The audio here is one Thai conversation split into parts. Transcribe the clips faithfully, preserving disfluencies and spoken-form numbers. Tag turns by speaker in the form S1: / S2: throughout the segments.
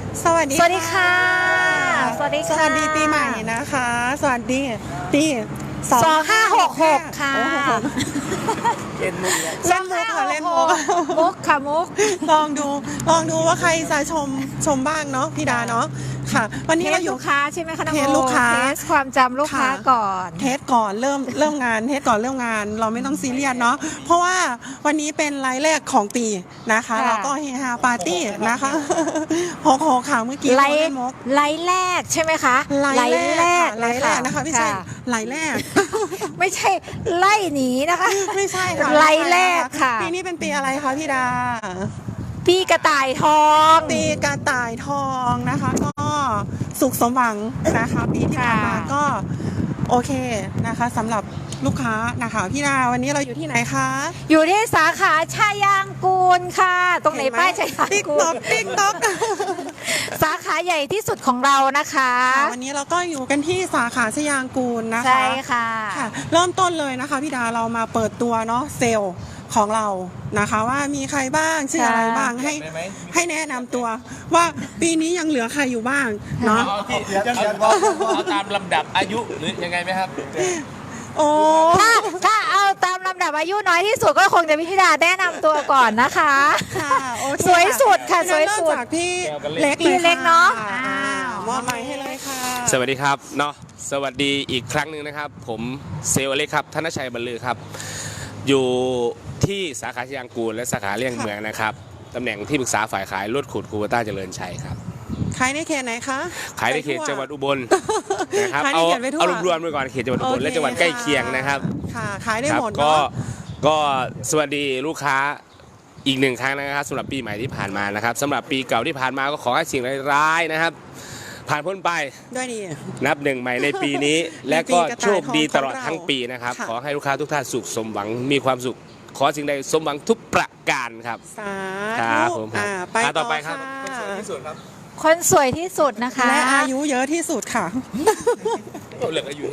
S1: สวัสดี
S2: สวัสดีค่ะสวัสดีค่ะ
S1: สวัสดีปีใหม่นะคะ สวัสดีปี
S2: สองห้าหกหกค่ะ
S1: เล่นมุกเล่นมุกค่ะเล่นมุก
S2: มุกค่ะมุก
S1: ลองดูลองดูว่าใครจะชมชมบ้างเนาะพี่ดาเนาะค่ะ วันนี้เราอยู่
S2: ลูกค้าใช่ไหมคะน้อง
S1: เทสลูกค้า
S2: เทสความจำลูกค้าก่อน
S1: เทสก่อนเริ่มเริ่มงานเทสก่อนเริ่มงานเราไม่ต้องซีเรียสเนาะเพราะว่าวันนี้เป็นไลฟ์แรกของปีนะคะเราก็เฮฮาปาร์ตี้นะคะโหโหข่าวเมื่อกี้
S2: ไล
S1: เล่
S2: ฟ์
S1: นมุก
S2: ไลฟ์แรกใช่ไหมคะ
S1: ไลฟ์แรก
S2: ไล
S1: ไล
S2: ฟ์
S1: ฟ์แรกนะคะไม่ใช่ไลฟ์แรก
S2: ไม่ใช่ไล่หนีนะคะ
S1: ไม่ใช่ค่ะ
S2: ไลฟ์แรกค่ะ
S1: ปีนี้เป็นปีอะไรคะพี่ดา
S2: พี่กระต่ายทอง
S1: ปีกระต่ายทองนะคะ ก็สุขสมหวังนะคะปีที่ผ่านมาก็โอเคนะคะสำหรับลูกค้านะคะพี่ดาวันนี้เราอยู่ที่ไหนคะ
S2: อยู่ที่สาขาชายางกูลค่ะ ตรงไหนป้ายชายาง
S1: ติ๊ก
S2: กู
S1: ต๊อ
S2: ล
S1: กติ๊กต๊อก
S2: สาขาใหญ่ที่สุดของเรานะคะ
S1: วันนี้เราก็อยู่กันที่สาขาชยางกูลนะคะ
S2: ใช่ค่ะ
S1: ค่ะเริ่มต้นเลยนะคะพี่ดาเรามาเปิดตัวเนาะเซลล์ของเรานะคะว่ามีใครบ้างชื่ออะไรบ้างให้ให้แนะนำตัวว่าปีนี้ยังเหลือใครอยู่บ้างเนาะ
S3: เอาที่เอาเอาตามลำดับอายุหรือยังไงไหมครับ
S1: โอ้
S2: ถ้าถ้าเอาตามลำดับอายุน้อยที่สุดก็คงจะพี่ธิดาแนะนำตัวก่อนนะคะ
S1: ค่ะโอเค
S2: สวยสุดค่ะสวยสุด
S1: เริ่มจากพี่
S3: เล็
S1: เล็ก
S3: ก
S2: พี่เล็กเนาะ
S1: อ่
S2: อ้าว
S1: มอบไมค์ให้เลยค่ะ
S3: สวัสดีครับเนาะสวัสดีอีกครั้งหนึ่งนะครับ ผมเซลล์เล็กครับธนชัยบรรลือครับ อยู่ที่สาขาชยางกูลและสาขาเลี่ยงเมืองนะครับตำแหน่งที่ปรึกษาฝ่ายขายรถขุดคูเบต้าเจริญชัยครับ
S1: ขายในเขตไหนคะ
S3: ขายในเขตจังหวัดอุบลนะครับ
S1: ขายใน
S3: เอา
S1: เขตไปทั่ว
S3: เอารวมๆไปก่อนเขตจังหวัดอุบลและจังหวัดใกล้เคียงนะครับ
S1: ค่ะขายได้
S3: ครับ
S1: หมด
S3: ก็
S1: เนาะ
S3: ก็สวัสดีลูกค้าอีกหนึ่งครั้งนะครับสำหรับปีใหม่ที่ผ่านมานะครับสำหรับปีเก่าที่ผ่านมาก็ขอให้สิ่งร้ายๆนะครับ ผ่านพ้นไป
S1: ด้วยดี
S3: นับหนึ่งใหม่ในปีนี้ และก็โชคดีตลอดทั้งปีนะครับ
S1: ค่ะ
S3: ขอให้ลูกค้าทุกท่านสุขสมหวังมีความสุข ขอสิ่งใดสมหวังทุกประการครับ
S1: สา
S3: ครับ
S1: ธุ
S3: ผมครับ
S1: อ่าไป
S3: อ่าต่
S1: ต่
S3: อ
S1: อ
S3: ไป
S1: ไป
S3: ครั
S1: ค่ะ
S3: บ
S2: คนสวยที่สุดนะคะ
S1: และอายุเยอะที่สุดค่ะ
S3: เหลืออายุ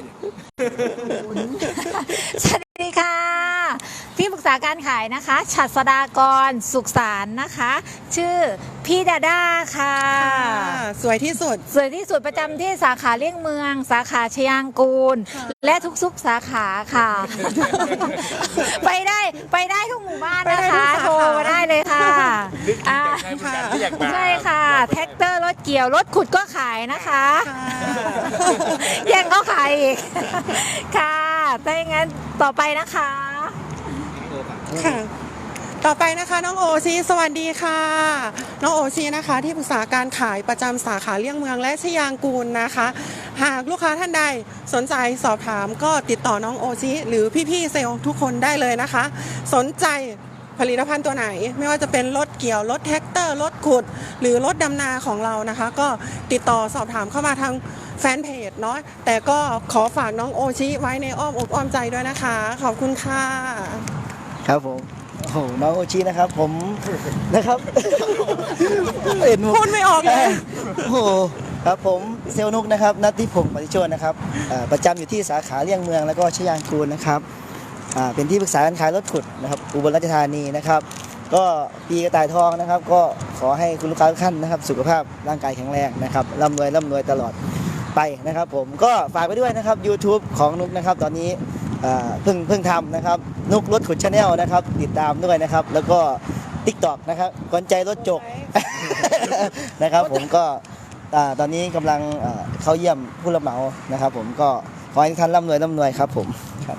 S2: สวัสดีค่ะ ที่ปรึกษาการขายนะคะ ฉัตรสดากรสุขสารนะคะ ชื่อพี่ดาด้าค่ะ
S1: สวยที่สุด
S2: สวยที่สุดประจำที่สาขาเลี่ยงเมือง สาขาชยางกูล และทุกซุกสาขาค่ะ ไปได้ไปได้ทุกหมู่บ้าน
S1: ไปได้
S2: นะ
S1: ทุก
S2: คะ
S1: สาขา
S2: โทรมาได้เลยค่ะอ่า
S3: ที่อยากมา
S2: ใช่ค่ะ แท็กเตอร์รถเกี่ยว รถขุดก็ขายนะคะ
S1: ค่ะ
S2: แย่งเขาขายอีก ค่ะถ้าอย่างนั้นต่อไปนะคะ
S1: ค่ะ ต่อไปนะคะน้องโอชีสวัสดีค่ะ น้องโอชีนะคะ ที่ปรึกษาการขายประจำสาขาเลี่ยงเมืองและชยางกูลนะคะ หากลูกค้าท่านใดสนใจสอบถามก็ติดต่อน้องโอชีหรือพี่ๆเซลล์ทุกคนได้เลยนะคะ สนใจผลิตภัณฑ์ตัวไหน ไม่ว่าจะเป็นรถเกี่ยวรถแท็กเตอร์รถขุด หรือรถดำนาของเรานะคะ ก็ติดต่อสอบถามเข้ามาทางแฟนเพจเนาะแต่ก็ขอฝากน้องโอชิไว้ในอ้อมอกอ้อมใจด้วยนะคะ ขอบคุณค่ะ
S4: ครับผมโอ้โหน้องโอชินะครับผมนะครับเห็น
S1: พูดไม่ออกเลย
S4: โอ้โหครับผมเซลล์นุกนะครับนัทธิพงศ์ปฏิโชตนะครับอ่าประจำอยู่ที่สาขาเลี่ยงเมืองแล้วก็ชยางกูลนะครับอ่าเป็นที่ปรึกษาการขายรถขุดนะครับอุบลราชธานีนะครับ ก็ปีกระต่ายทองนะครับ ก็ขอให้คุณลูกค้าทุกท่านนะครับ สุขภาพร่างกายแข็งแรงนะครับร่ำรวยร่ำรวยตลอดไปนะครับ ผมก็ฝากไปด้วยนะครับ YouTube ของนุกนะครับตอนนี้อ่าเพิ่งเพิ่งทำนะครับนุกรถขุดชาแนลนะครับติดตามด้วยนะครับ แล้วก็ TikTok นะครับกวนใจรถจก นะครับ ผมก็อ่าตอนนี้กำลังอ่าเข้าเยี่ยมผู้รับเหมานะครับ ผมก็ขอให้ทุกท่านร่ำรวยร่ำรวยครับผมครับ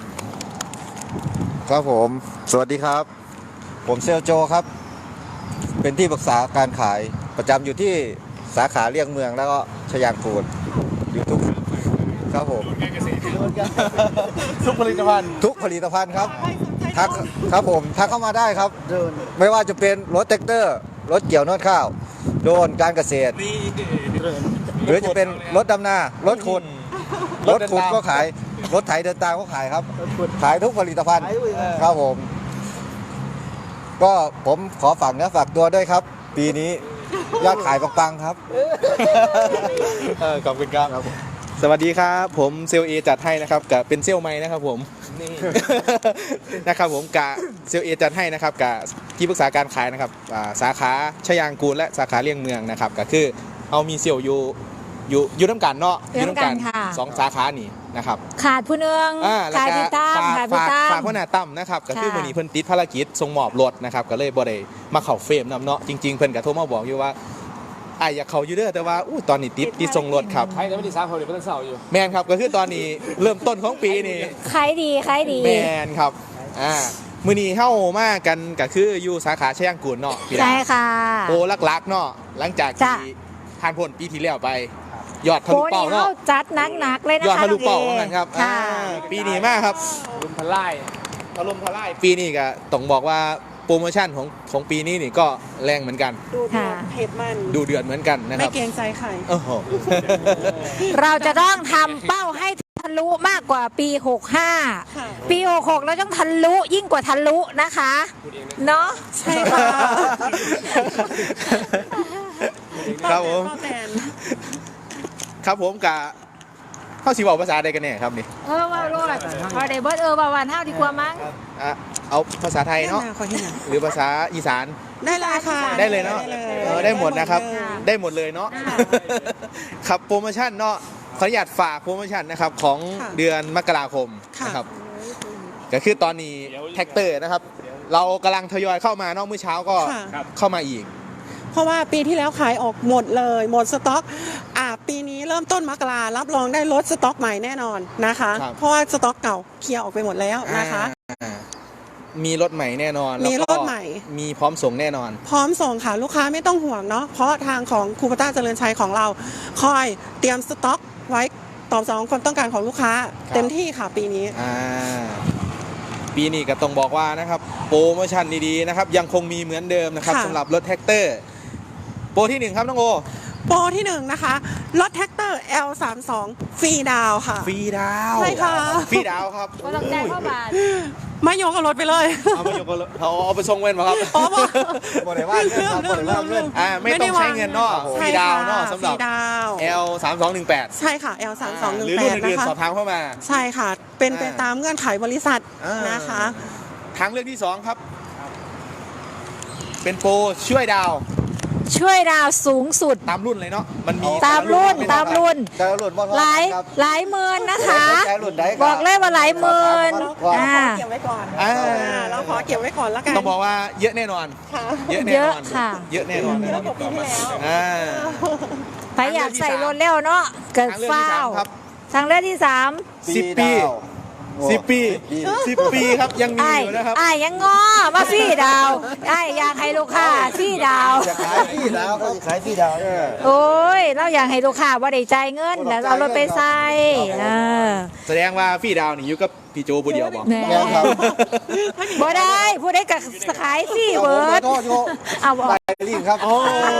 S5: ครับผม สวัสดีครับ ผมเซลโจครับ เป็นที่ปรึกษาการขายประจำอยู่ที่สาขาเลี่ยงเมืองแล้วก็ชยางกูลอยู่ทุกครับผม
S4: ทุกผลิตภัณฑ์
S5: ทุกผลิตภัณฑ์ครับทักครับผมทักเข้ามาได้ครับ ไม่ว่าจะเป็นรถแท็กเตอร์ รถเกี่ยวนวดข้าว โดรนการเกษตร หรือจะเป็นรถดำนารถขุดรถขุดก็ขายรถไถเดินตามก็ขายครับ ขายทุกผลิตภัณฑ์ครับผม ก็ผมขอฝากเนื้อฝากตัวด้วยครับ ปีนี้ยอดขายปังๆครับ
S4: ขอบคุณครับ
S6: สวัสดีครับผมเซลลเอจัดให้นะครับกับเป็นเซลลไม้นะครับผม
S3: นี่
S6: นะครับผมกะเซลลเอจัดให้นะครับกับที่ปรึกษาการขายนะครับอ่าสาขาชยางกูลและสาขาเลี่ยงเมืองนะครับก็คือเอามีเซลล์อยู่อยู่อยู่น้ำกันเนาะ
S2: อยู่นำกันค่ะ
S6: สองสาขานี่นะครับ
S2: ขาดผู้หนึง
S6: อ่าแล้ว
S2: ขาด
S6: ก็
S2: พี่ตั้ม
S6: ฝาก
S2: ขาดพี่
S6: ฝาก
S2: ตั้ม
S6: ฝากหัวหน้าตั้มนะครับก็คือ
S2: ค่ะ
S6: วันนี้เพิ่นติดภารกิจส่งมอบรถนะครับก็เลยบ่ได้มาเข้าเฟรมนำเนาะจริงๆเพิ่นก็โทรมาบอกอยู่ว่าอ้ายอยากเข้าอยู่เด้อแต่ว่าอู้ตอนนี้ติดติดส่งรถครับ
S3: ใครจะไม่ได้สามคนเดี๋ยวเป็นเสาร์อยู่
S6: แมนครับก็คือตอนนี้เริ่มต้นของปีนี่
S2: ขายดีขายดี
S6: แมนครับอ่ามื้อนี้เฮามากันก็คืออยู่สาขาชยางกูลเนาะพี่ดา
S2: ใช่ค่ะ
S6: โปรลักๆเนาะหลังจาก
S2: จ้ะ
S6: ที่ผ่านพ้นปีที่แล้วไป ยอดทะ
S2: โปร
S6: ลุเป้า
S2: นี้
S6: เนาะ
S2: เขาจัดหนักๆเลยนะคะ
S6: ยอดทะลุเป้า
S2: น้
S6: เหมื
S2: ง
S6: อนกันครับ
S2: ค่ะ
S6: อ่าปีนี้มากครับ
S3: ลุมพลาย
S6: ถล่มทลายปีนี้ก็ต้องบอกว่าโปรโมชั่นของของปีนี้นี่ก็แรงเหมือนกัน
S1: ดูเดือดเผ็ดมัน
S6: ดูเดือดเหมือนกันนะค
S1: ไม่
S6: รับ
S1: เกรงใจใคร
S6: โอ้โห
S2: เราจะต้องทำเป้าให้ทะลุมากกว่าปี หกห้า
S1: ค่ะ
S2: ปี หกหกเราต้องทะลุยิ่งกว่าทะลุนะคะ เนาะ
S1: ใช่ค่ะ
S6: ครับผม
S1: พ่อแตน
S6: ครับผมกะเข้าสีบอกภาษาใดกันเนี่ยครับนี่
S2: เออว่าโลดพอได้เบิร์ดเออว่าวันเท่าดีกว่ามั้ง
S6: อ่ะเอาภาษาไทยเนาะ
S1: แม่ขอที่ไหน
S6: หรือภาษาอีสาน
S1: ได้เลยค่ะ
S6: ได้เลยเนาะ
S1: ได้
S6: เออได้หมดนะครับ
S1: ได้
S6: ได้หมดเลยเนาะ
S2: ค่ะ
S6: ครับโปรโมชั่นเนาะขออนุญาตฝากโปรโมชั่นนะครับของ
S1: ค่ะ
S6: เดือนมกราคม
S1: ค่ะ
S6: นะครับก็คือตอนนี้แท็กเตอร์นะครับ เรากำลังทยอยเข้ามาเนาะเมื่อเช้าก็
S1: ค่ะ
S6: เข้ามาอีก
S1: เพราะว่าปีที่แล้วขายออกหมดเลย หมดสต็อกอ่าปีนี้เริ่มต้นมกรารับรองได้ลดสต็อกใหม่แน่นอนนะคะ
S6: ครับ
S1: เพราะว่าสต็อกเก่าเคลียร์ออกไปหมดแล้วนะคะ
S6: อ่ามีรถใหม่แน่นอน
S1: มี
S6: แล้วก็
S1: รถใหม่
S6: มีพร้อมส่งแน่นอน
S1: พร้อมส่งค่ะลูกค้าไม่ต้องห่วงเนาะเพราะทางของคูปต้าเจริญชัยของเรา คอยเตรียมสต็อกไว้ตอบสนองความต้องการของลูกค้า เต็มที่ค่ะปีนี้
S6: อ่าปีนี้ก็ต้องบอกว่านะครับโปรโมชั่นดีๆนะครับยังคงมีเหมือนเดิมนะครับ
S1: ค่ะ
S6: สำหรับรถแท็กเตอร์โปรที่หนึ่งครับน้องโอ
S1: โปรที่หนึ่งนะคะรถแท็กเตอร์ แอล สามสิบสอง ฟรีดาวน์ค่ะ
S6: ฟรีดาว
S1: ใช่ค่ะ
S6: ฟรีดาวครับ
S2: ว่าต้องจ่ายเข้าบาท
S1: ไม่ยกกับรถไปเลย
S6: เอาไปยกกันเลยเอาเอาไปส่งเว้นมาครับ
S1: อ๋อบอก
S5: บ่ได้ว่าเงินครับบ่ได้ว่าเงิน
S6: อ่าไม่ต้องใช้เงินเนาะฟ
S1: ใช่
S6: รีดาว
S1: ค่ะ
S6: เนาะสำหรับ
S1: ฟรีดาวน์
S6: แอล สามสองหนึ่งแปด
S1: ใช่ค่ะ แอล สามสองหนึ่ง
S6: หรือ
S1: แป
S6: รุ่น
S1: ด
S6: อื่น
S1: นะคะ
S6: ๆสอบถามเข้ามา
S1: ใช่ค่ะ เป็น
S6: อ่า
S1: ไปตามเงื่อนไขบริษัท
S6: อ่าน
S1: นะคะ
S6: ทางเลือกที่สองครับ เป็นโปรช่วยดาว
S2: ช่วยดาวสูงสุด
S6: ตามรุ่นเลยเนาะมันมี
S2: ตามรุ่น
S6: แต่
S2: ตา
S6: ละ
S2: มรุ่น
S5: แต่ละรุ่นบ่เท่า
S2: หลาย
S5: กันครับ
S2: หลายหมื่นนะคะ
S5: แต่ละรุ่นใด
S2: บอกเลยว่าหลายหมื่น
S5: ว่า
S2: อ่า
S1: เก็บไว้ก่อน
S6: อ่า
S1: อ่าเราขอเก็บไว้ก่อนแล้วกัน
S6: ต้องบอกว่าเยอะแน่นอน
S1: ค่ะ
S6: เยอะแน่นอน
S2: เยอะค่ะ
S6: เยอะแน่นอน
S1: เยอะกว่าปีที่แล้ว
S6: อ่า
S2: ใครอยากใส่รถเร็วเนาะเกิด
S6: ทางเลือกที่
S2: ฟ้า
S6: สาว มครับ
S2: ทางเลือกที่สาม
S6: สิบปี
S5: โอ้
S6: สิบปี
S5: ปี
S6: สิบปีครับยังมี
S2: ไอ้
S6: อยู่นะครับ
S2: ไอ้ายยังงอมาฟรี่ดาวไอ้ายอยากให้ลูกค้าฟรี่ดาว
S5: จะขายพี่ดาวก็จะขายพี่ดาวเนี่ย
S2: โอ้ย เราอยากให้ลูกค้าว่าได้จ่ายเงินแล้วเอารถไปใส่เออ
S6: แสดงว่าพี่ดาวนี่อยู่กับพี่โจผู้เดียวบอก
S2: แหน่
S5: แม่นครับ
S2: บ่ได้ผู้ใดก็ขายฟรี่
S5: เอา
S2: เบิ
S5: ผม
S2: ร์ด
S5: โทษโย
S2: เอาบอก
S5: ไปรีบครับ
S6: โอ้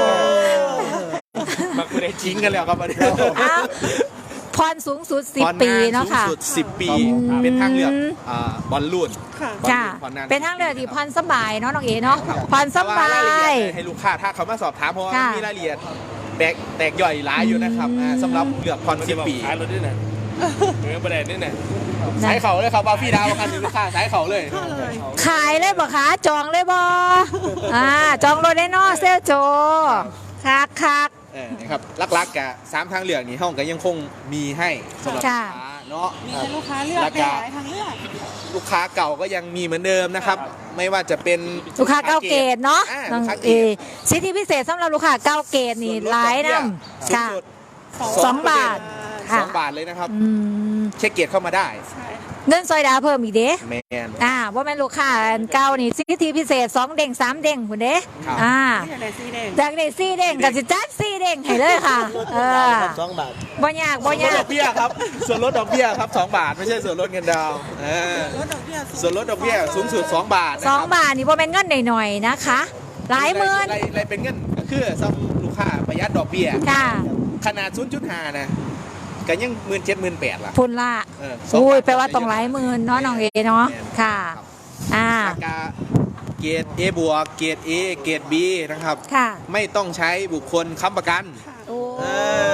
S6: มาคุยได้จริงกันแล้วครับวันนี้
S2: เอาผ่อนสูงสุดสิบ
S6: ผ่อน
S2: ปี
S6: น
S2: เนาะค่ะ
S6: สูงสุดสิบปี เป็นทางเลือกอ่าบอลลูน
S1: ค่ะ
S6: บอล
S2: ค่ะ
S6: ลูนผ่อนนาน
S2: เป็นทางเลือกที่ผ่อนสบายเนาะน้องเอ๋เนาะผ่อนส
S6: แต่ว่า
S2: บาร
S6: ายละเอี
S2: ย
S6: ยดให้ลูกค้าถ้าเขามาสอบถามเพราะว่า
S2: ค่ะ
S6: มีรายละเอียดแตกแตกย่อยหลายอยู่นะครับอ่าสำหรับเลือกผ่อนสิบปี
S3: ขายรถด้วยนะเหมือนประเด็นนี่นะ
S6: สายเขาเลยครับว่าพี่ดาวคันนี้ลูกค้าสายเขาเลย
S2: ขายเลยบ่คะจองเลยบ่อ่าจองรถได้เนาะเซลโจคักคัก
S6: เออนะครับลักๆกะสามทางเลือกนี้ห้องก็ยังคงมีให้สำหรับลูก
S2: ค่ะ
S6: ค้าเนาะ
S1: มีให้ลูกค้าเลือก
S6: แล้ว
S1: ได้
S6: ก็
S1: หลายทางเลือก
S6: ลูกค้าเก่าก็ยังมีเหมือนเดิมนะครับ ไม่ว่าจะเป็น
S2: ลูกค้าเก้าเกตเนาะ
S6: อ่
S2: น้อง
S6: ลูกค้าเก
S2: เอ
S6: ต
S2: สิทธิพิเศษสำหรับลูกค้าเก้าเกตนี่หลายนำ
S6: สูง
S2: ค่ะ
S6: สุด
S2: สองบาท
S6: ส
S2: ค่ะ
S6: องบาทเลยนะครับ
S2: อืม
S6: เช็คเกียรติเข้ามาได้
S1: ใช่
S2: เงินซอยดาวเพิ่มอีกเด้
S6: แมน
S2: อ่าว่าแม่นลูกค้าเก่านี่สิทธิพิเศษสองเด้งสามเด้งคุณเด้
S6: ครับ
S2: อ่า
S1: ที่ไหนสีแดง
S2: จากได้สี่เด้งกับสิจัดสี่เด้งให้เลยค่ะเออ
S5: สองบาท
S2: บ่ยากบ่
S6: ส่วนลด
S2: ยา
S6: ด
S2: ก
S6: อกเบี้ยครับ ส่วนลดดอกเบี้ยครับสองบาทไม่ใช่ส่วนลดเงินดาวน์เออ
S1: ลดดอกเบี้ย
S6: ส่วนลดดอกเบี้ยสูงสุดสองบาทนะ
S2: ส
S6: ค
S2: อง
S6: รับ
S2: บาทนี่บ่เป็นเงินหน่อยๆนะคะ หลายหมื่น
S6: รายรายเป็นเงินก็คือสำหรับลูกค้าประหยัดดอกเบี้ย
S2: ค่ะ
S6: ขนาด ศูนย์จุดห้า นะก็ยังหมื่นเจ็ดหมื่นแปดล่ะ
S2: พุ่นละ
S6: เออสอง
S2: อุ้ย
S6: บาท
S2: แปลว่าต้องหลายหมื่นเนาะน้องเอเนาะค่ะ อ่า
S6: ราคาเกรด A บวกเกรด A เกรด B นะครับ
S2: ค่ะ
S6: ไม่ต้องใช้บุคคลค้ำประกัน
S2: โอ้
S6: เออ
S2: ไม่